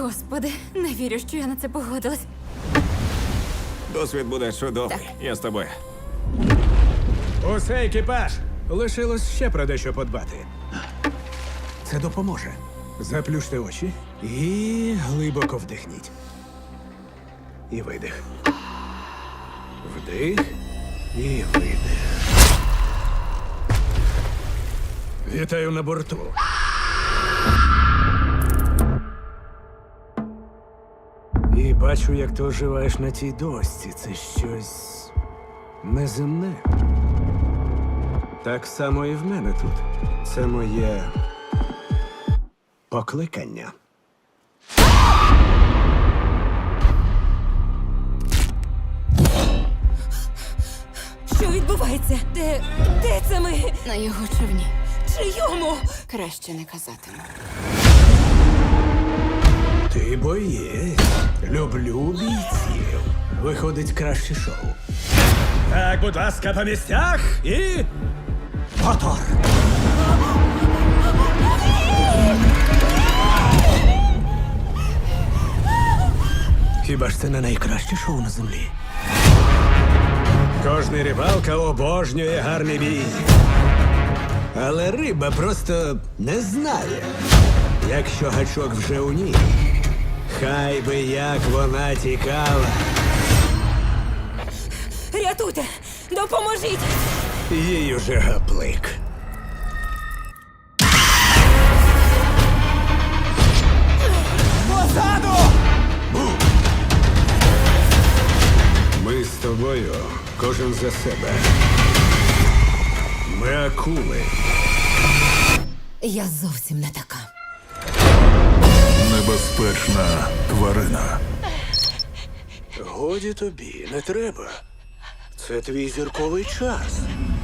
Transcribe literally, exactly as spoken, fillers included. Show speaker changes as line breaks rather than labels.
Господи, не вірю, що я на це погодилась.
Досвід буде чудовий.
Так.
Я з тобою.
Усе, екіпаж! Лишилось ще про дещо подбати. Це допоможе. Заплющте очі і глибоко вдихніть. І видих. Вдих і видих. Вітаю на борту. І бачу, як ти оживаєш на тій дошці. Це щось неземне. Так само і в мене тут. Це моє покликання.
Що відбувається? Де. де це ми?
На його човні.
Чийому?
Краще не казатиму.
Ти боєць. Люблю бійців. Виходить краще шоу. Так, будь ласка, по місцях і. Мотор! Хіба ж це не найкраще шоу на землі? Кожний рибалка обожнює гарний бій. Але риба просто не знає, якщо гачок вже у ній. Хай би як вона тікала.
Рятуйте! Допоможіть!
Їй уже гаплик. Позаду! Ми з тобою, кожен за себе. Ми акули.
Я зовсім не така.
Небезпечна тварина.
Годі тобі, не треба. Це твій зірковий час.